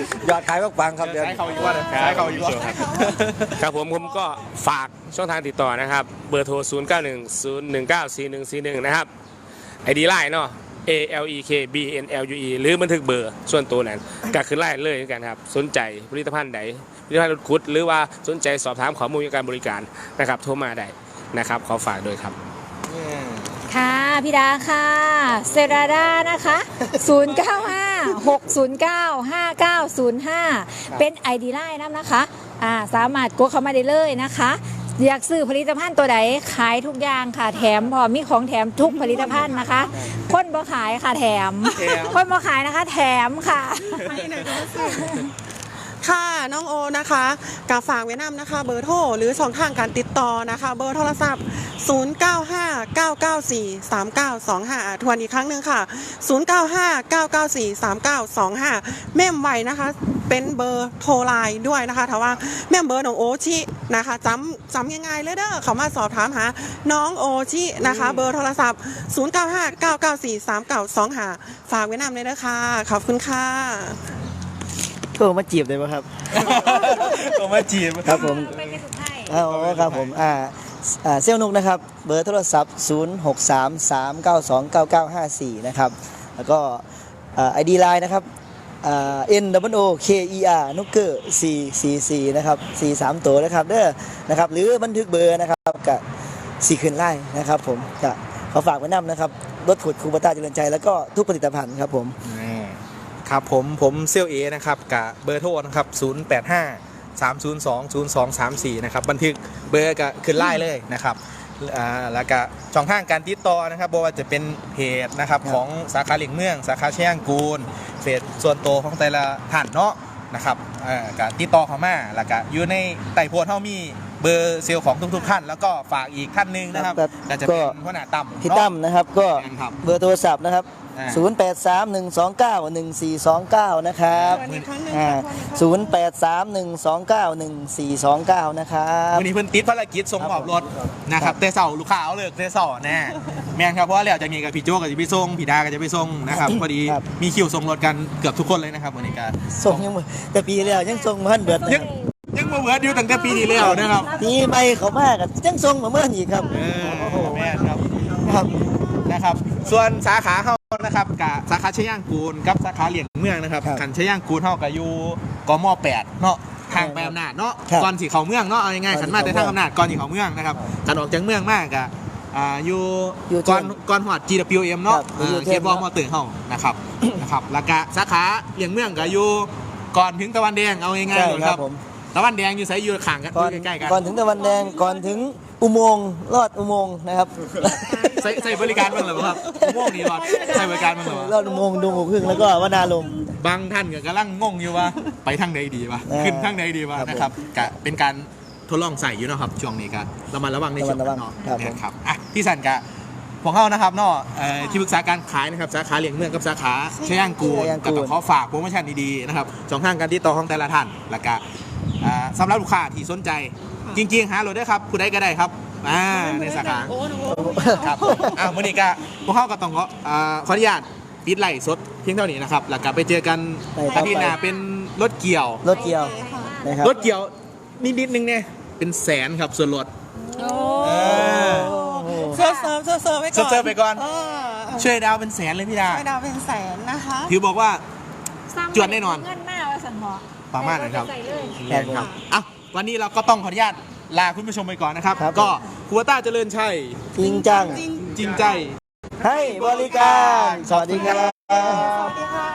S5: ยอดขายปังๆครับเดือน
S6: ใช้เขาอีกว่าเลยใช้เขาอีกว่า
S3: ครับผมผมก็ฝากช่องทางติดต่อนะครับ เบอร์โทร ศูนย์ เก้า หนึ่ง ศูนย์ หนึ่ง เก้า สี่ หนึ่ง สี่ หนึ่ง นะครับ ไอ ดี ไลน์เนาะ A L E K B N L U E หรือบันทึกเบอร์ส่วนตัวนั้นก็คือไล่เลยกันครับ สนใจผลิตภัณฑ์ใดผลิตภัณฑ์รถคุดหรือว่าสนใจสอบถามข้อมูลการบริการนะครับโทรมาได้นะครับขอฝากด้วยครับ
S2: ค่ะพี่ดาค่ะเซราดานะคะ ศูนย์ เก้า ห้า หก ศูนย์ เก้า ห้า เก้า ศูนย์ ห้า เป็น ไอ ดี ไลน์นะคะอ่าสามารถกดเข้ามาได้เลยนะคะอยากซื้อผลิตภัณฑ์ตัวใดขายทุกอย่างค่ะแถมพอมีของแถมทุกผลิตภัณฑ์นะคะคนบ่ขายค่ะแถมคนบ่ขายนะคะแถมค่ะ
S1: ค่ะน้องโอนะคะกับฝากเวียดนามนะคะเบอร์โทรหรือช่องทางการติดต่อนะคะเบอร์โทรศัพท์ ศูนย์ เก้า ห้า เก้า เก้า สี่ สาม เก้า สอง ห้า ทวนอีกครั้งหนึ่งค่ะ ศูนย์ เก้า ห้า เก้า เก้า สี่ สาม เก้า สอง ห้า เมมไว้นะคะเป็นเบอร์โทรไลน์ด้วยนะคะถ้าว่าแม่มเบอร์น้องโอชินะคะจำจำยังไงเลยเด้อเขามาสอบถามหาน้องโอชินะคะเบอร์โทรศัพท์ ศูนย์ เก้า ห้า เก้า เก้า สี่ สาม เก้า สอง ห้า ฝากเวียดนามเลยนะคะขอบคุณค่ะ
S4: โทรมาจีบได้ไหมครับ
S6: ผมมาจีบ
S4: ครับผม
S2: เป็นกระสุนไทย
S4: อ๋อครับผมอ่าอ่าเซลลนุกนะครับเบอร์โทรศัพท์ ศูนย์ หก สาม สาม เก้า สอง เก้า เก้า ห้า สี่ นะครับแล้วก็ไอดีไลน์นะครับอ่า N W O K E R นุกเกอร์สี่ สี่ สี่นะครับสี่ สามตัวนะครับเด้อนะครับหรือบันทึกเบอร์นะครับกับสี่คืนไล่นะครับผมจะขอฝากไว้นำนะครับรถขุดคูปต้าเจริญใจแล้วก็ทุกผลิตภัณฑ์ครับผม
S6: ครับผมผมเซลเอนะครับกับเบอร์โทรนะครับ ศูนย์ แปด ห้า สาม ศูนย์ สอง ศูนย์ สอง สาม สี่ นะครับบันทึกเบอร์ก็ขึ้นไล่เลยนะครับอ่าแล้วก็ช่องทางการติดต่อนะครับบ่ว่าจะเป็นเพจนะครับของสาขาเหลียงเมืองสาขาเชียงกูลเพจส่วนตัวของแต่ละท่านเนาะนะครับอ่าการติดต่อเข้ามาแล้วก็อยู่ในไต่โพสเฮามีเบอร์เซลล์ของทุกๆท่านแล้วก็ฝากอีกท่านหนึงนะครับ
S4: ครับ
S6: ก็จะเป็นหัวหน้าตั้ม
S4: พี่ตั้มนะครับก็
S6: ครับ
S4: เบอร์โทรศัพท์นะครับ
S6: อ่า
S4: ศูนย์ แปด สาม หนึ่ง สอง เก้า หนึ่ง สี่ สอง เก้า นะครับ
S1: ทวนอีกครั้งหนึ่ง
S4: อ่า
S1: ค่ะทวนอีกครั้งหนึ่ง
S4: ศูนย์ แปด สาม หนึ่ง สอง เก้า หนึ่ง สี่ สอง เก้า นะครับ
S6: วันนี้เพิ่นติดภารกิจส่งมอบรถนะครับแต่เสาลูกค้าเอาเลิกแต่เสาแน่แม่นครับเพราะว่าแล้วจากนี้กับพี่โจก็จะไปส่งพี่ดาก็จะไปส่งนะครับพอดี
S4: ครับ
S6: มีคิวส่งรถกันเกือบทุกคนเลยนะครับวันนี้ก็
S4: ส่งยังบ่แต่ปีแล้วยังส่งมาทันเบิด
S6: ยังยังมาเวิร์ดอยู่ตั้งแต่ปีที่แล้วนะครับ
S4: ปีใหม่เขามากยังส่งมาเมื่ออีกครับ
S6: เออแม่นครับ
S4: ครับ
S6: นะครับส่วนสาขาเฮานะครับกับสาขาชย่างกูลกับสาขาเหลียงเมืองนะครับ
S4: ครับ
S6: ขันชย่างกูลเฮากับอยู่กมแปดเนาะทางไปอำนาจเนาะ
S4: ครับ
S6: ก่อนสีเขาเมืองเนาะเอาง่ายๆขันมาแต่ทางอำนาจก่อนสีเขาเมืองนะครับขันออกจากเมืองมากอะอ่าอยู่
S4: อยู่
S6: ก่อน
S4: เทิง
S6: ก่อนหอด จี ดับเบิลยู เอ็ม เนาะ
S4: ครับอยู่
S6: อ่า
S4: เทิง
S6: เขตบอมอตื่นเฮานะครับ นะครับแล้วก็สาขาเหลียงเมืองก็อยู่ก่อนถึงตะวันแดงเอาง่าย
S4: ใช่
S6: ๆเลย
S4: ค
S6: ค
S4: รั
S6: รั
S4: บบ ผม
S6: ตะวันแดงอยู่ไสอยู่ข้างกันอ
S4: ก่อน
S6: ยู่ใกล้ๆกัน
S4: ก่อนถึงตะวันแดงก่อนถึงอุโมงค์ลอดอุโมงค์นะครับ
S6: ใส่ใส่บริการบ้างเหรอครับม่วงนี่รอดใส่บริการบ้างเหรอ
S4: ลอดอุโมงค์ดงหูพึ่งแล้วก็วนาลม
S6: บางท่านก็กำลังงงอยู่ว่า ไปทางไหนดีวะ
S4: เออ
S6: ขึ้นทางไหนดีวะ
S4: ครับ
S6: นะครับกะเป็นการทดลองใส่อยู่เนาะครับช่วงนี้ก็ระมัดระวังในช่วง
S4: ระมัดระวัง
S6: เนาะ
S4: ครับผม
S6: นะครับอ่ะที่สันกะของเขานะครับเนาะเอ่อที่ปรึกษาการขายนะครับสาขาเหลียงเมืองกับสาขาชย่างกูล
S4: ชย่างกูล
S6: ก็ต้องขอฝากโปรโมชั่นดีๆนะครับช่องทางการติดต่อของแต่ละท่านแล้วก็อ่าสำหรับลูกค้าที่สนใจ จริงๆหาโหลดได้ครับผู้ใดก็ได้ครับอ่าในสาขา
S1: โอ้โห
S6: ครับอ่ามื่อนี้ก็พวกเขาก็ต้องขออ่าขออนุญาตปิดไลฟ์สดเพียงเท่านี้นะครับแล้วก็ไปเจอกัน
S4: ในต่อไป
S6: อาทิตย์หน้าเป็นรถเกี่ยว
S4: รถเกี่ยวนะครับ
S6: รถเกี่ยวนิดๆนึงเนี่ยเป็นแสนครับส่วนลด เออ
S1: เซิร์ฟเซิร์ฟเซิร์ฟเซิร์ฟไว้ก่อน
S6: เซิร์ฟไปก่อน
S1: เออ
S6: ช่วยดาวเป็นแสนเลยพี่ดา
S1: ช่วยดาวเป็นแสนนะคะ
S6: ถือบอกว่า จวดแน่นอน
S2: เงินมากว่าสันหอ
S6: ประมาณนั้นครับ
S2: ใส่เลย
S6: แรงครับอ่ะวันนี้เราก็ต้องขออนุญาตลาคุณผู้ชมไปก่อนนะครับ
S4: ครับ
S6: ก็ครัวต้าเจริญชัย
S4: จริงจัง
S1: จริง
S6: จริงใจ
S4: ให้บริการ สวัสดีครับ
S1: สวัสดีค่ะ